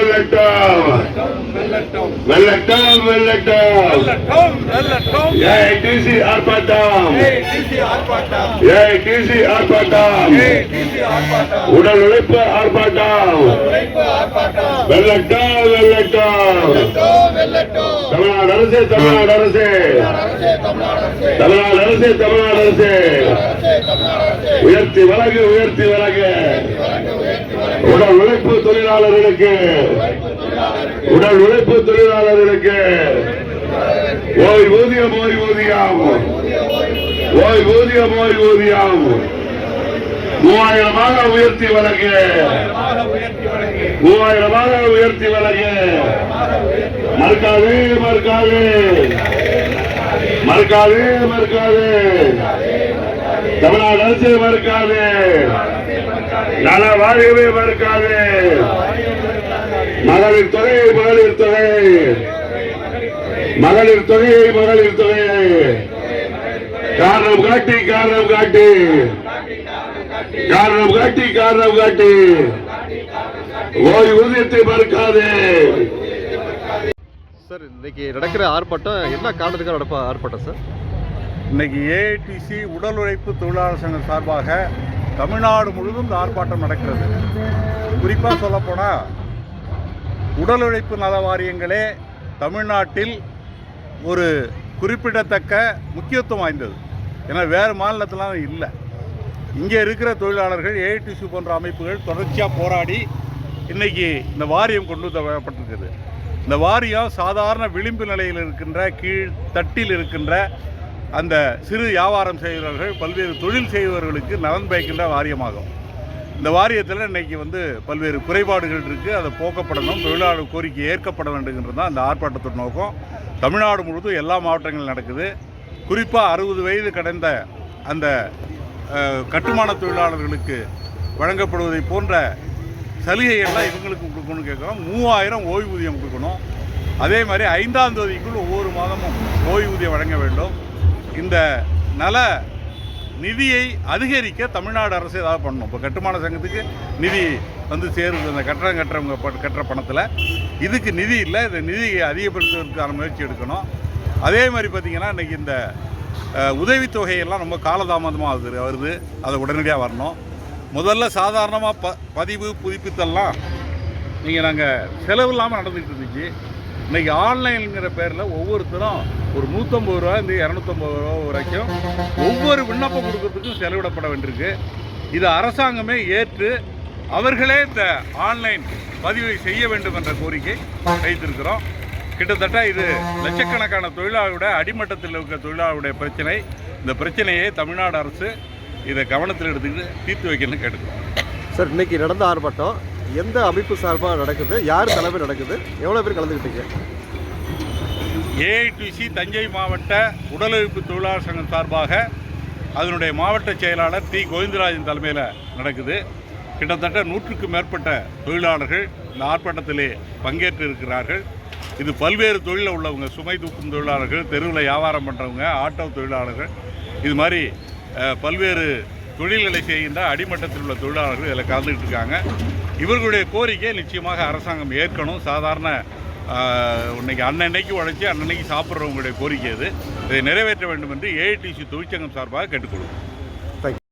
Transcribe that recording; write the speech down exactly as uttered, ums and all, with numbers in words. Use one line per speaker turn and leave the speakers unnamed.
வெல்லட்டும் வெல்லட்டும் வெல்லட்டும் ஏஐடிசி ஆர்ப்பாட்டம் ஏஐடிசி ஆர்ப்பாட்டம் உடல் உழைப்பு ஆர்ப்பாட்டம் வெல்லட்டும் வெல்லட்டும் தமிழ்நாடு அரசு தமிழ்நாடு அரசு தமிழ்நாடு அரசு தமிழ்நாடு அரசு உயர்த்தி வழங்கு உயர்த்தி வழங்கு உடல் உழைப்பு தொழிலாளர்களுக்கு உடல் உழைப்பு தொழிலாளர்களுக்கு ஓய்வூதியம் ஓய்வூதியம் ஓய்வூதியம் ஓய்வூதியம் மூவாயிரமாக உயர்த்தி வழங்கு மூவாயிரமாக உயர்த்தி வழங்கு மறுக்காது மறுக்காது மறுக்காது மறுக்காது தமிழ்நாடு அரசு மறுக்காது நல வாரியமே மறுக்காது மகளிர் தொகை மகளிர் தொகை மகளிர் தொகை மகளிர் தொகை காரணம் காட்டி காரணம் காட்டி காரணம் காட்டி காரணம் காட்டி ஓய்வூதியத்தை மறுக்காது.
சார் இன்னைக்கு நடக்கிற ஆர்ப்பாட்டம் என்ன காரணத்துக்காக நடப்ப ஆர்ப்பாட்டம் சார்?
இன்னைக்கு ஏஐடிசி உடல் உழைப்பு தொழிலாளர் சங்கம் சார்பாக தமிழ்நாடு முழுவதும் இந்த ஆர்ப்பாட்டம் நடக்கிறது. குறிப்பாக சொல்லப்போனால் உடல் உழைப்பு நல வாரியங்களே தமிழ்நாட்டில் ஒரு குறிப்பிடத்தக்க முக்கியத்துவம் வாய்ந்தது. ஏன்னா வேறு மாநிலத்திலாம் இல்லை. இங்கே இருக்கிற தொழிலாளர்கள் ஏஐடிசி போன்ற அமைப்புகள் தொடர்ச்சியாக போராடி இன்றைக்கி இந்த வாரியம் கொண்டு வரப்பட்டிருக்குது. இந்த வாரியம் சாதாரண விளிம்பு நிலையில் இருக்கின்ற கீழ் தட்டில் இருக்கின்ற அந்த சிறு வியாபாரம் செய்கிறவர்கள் பல்வேறு தொழில் செய்பவர்களுக்கு நலன் பயக்கின்ற வாரியமாகும். இந்த வாரியத்தில் இன்றைக்கி வந்து பல்வேறு குறைபாடுகள் இருக்குது. அதை போக்கப்படணும், தொழிலாளர் கோரிக்கை ஏற்கப்பட வேண்டுங்கிறது தான் இந்த ஆர்ப்பாட்டத்தோட நோக்கம். தமிழ்நாடு முழுவதும் எல்லா மாவட்டங்களும் நடக்குது. குறிப்பாக அறுபது வயது கடந்த அந்த கட்டுமான தொழிலாளர்களுக்கு வழங்கப்படுவதை போன்ற சலுகைகள்லாம் இவங்களுக்கு கொடுக்கணும்னு கேட்குறோம். மூவாயிரம் ஓய்வூதியம் கொடுக்கணும். அதே மாதிரி ஐந்தாம் தேதிக்குள் ஒவ்வொரு மாதமும் ஓய்வூதியம் வழங்க வேண்டும். இந்த நல நிதியை அதிகரிக்க தமிழ்நாடு அரசு ஏதாவது பண்ணணும். இப்போ கட்டுமான சங்கத்துக்கு நிதி வந்து சேருது, அந்த கட்டடம் கட்டுறவங்க கட்டுற பணத்தில் இதுக்கு நிதி இல்லை. இந்த நிதியை அதிகப்படுத்துவதற்கான முயற்சி எடுக்கணும். அதே மாதிரி பார்த்திங்கன்னா இன்றைக்கி இந்த உதவித்தொகையெல்லாம் ரொம்ப காலதாமதமாக ஆகுது வருது அதை உடனடியாக வரணும். முதல்ல சாதாரணமாக ப பதிவு புதுப்பித்தெல்லாம் நீங்கள் நாங்கள் செலவு இல்லாமல் நடந்துக்கிட்டு இருந்துச்சு. இன்றைக்கி ஆன்லைனுங்கிற பேரில் ஒவ்வொருத்தரும் ஒரு நூற்றம்பது ரூபா இந்த இரநூத்தம்பது ரூபா வரைக்கும் ஒவ்வொரு விண்ணப்பம் கொடுக்கறதுக்கும் செலவிடப்பட வேண்டியிருக்கு. இது அரசாங்கமே ஏற்று அவர்களே இந்த ஆன்லைன் பதிவை செய்ய வேண்டும் என்ற கோரிக்கை வைத்திருக்கிறோம். கிட்டத்தட்ட இது லட்சக்கணக்கான தொழிலாளருடைய அடிமட்டத்தில் இருக்கிற தொழிலாளருடைய பிரச்சனை. இந்த பிரச்சனையை தமிழ்நாடு அரசு இதை கவனத்தில் எடுத்துக்கிட்டு தீர்த்து வைக்கணும்னு கேட்டுக்கிறோம்.
சார் இன்னைக்கு நடந்த ஆர்ப்பாட்டம் எந்த அமைப்பு சார்பாக நடக்குது, யார் தலைமை நடக்குது, எவ்வளோ பேர் கலந்துக்கிட்டீங்க?
ஏஐடிசி தஞ்சை மாவட்ட உடல் உழைப்பு தொழிலாளர் சங்கம் சார்பாக அதனுடைய மாவட்ட செயலாளர் டி கோவிந்தராஜன் தலைமையில் நடக்குது. கிட்டத்தட்ட நூற்றுக்கும் மேற்பட்ட தொழிலாளர்கள் இந்த ஆர்ப்பாட்டத்திலே பங்கேற்று இருக்கிறார்கள். இது பல்வேறு தொழிலில் உள்ளவங்க, சுமை தூக்கும் தொழிலாளர்கள், தெருவில் வியாபாரம் பண்ணுறவங்க, ஆட்டோ தொழிலாளர்கள், இது மாதிரி பல்வேறு தொழில்களை செய்கின்ற அடிமட்டத்தில் உள்ள தொழிலாளர்கள் இதில் கலந்துக்கிட்டு இருக்காங்க. இவர்களுடைய கோரிக்கை நிச்சயமாக அரசாங்கம் ஏற்கணும். சாதாரண இன்னைக்கு அன்னன்னைக்கு உழைச்சி அன்னன்னைக்கு சாப்பிட்றவங்களுடைய கோரிக்கை இது. இதை நிறைவேற்ற வேண்டும் என்று ஏஐடிசி தொழிற்சங்கம் சார்பாக கேட்டுக்கொள்வோம்.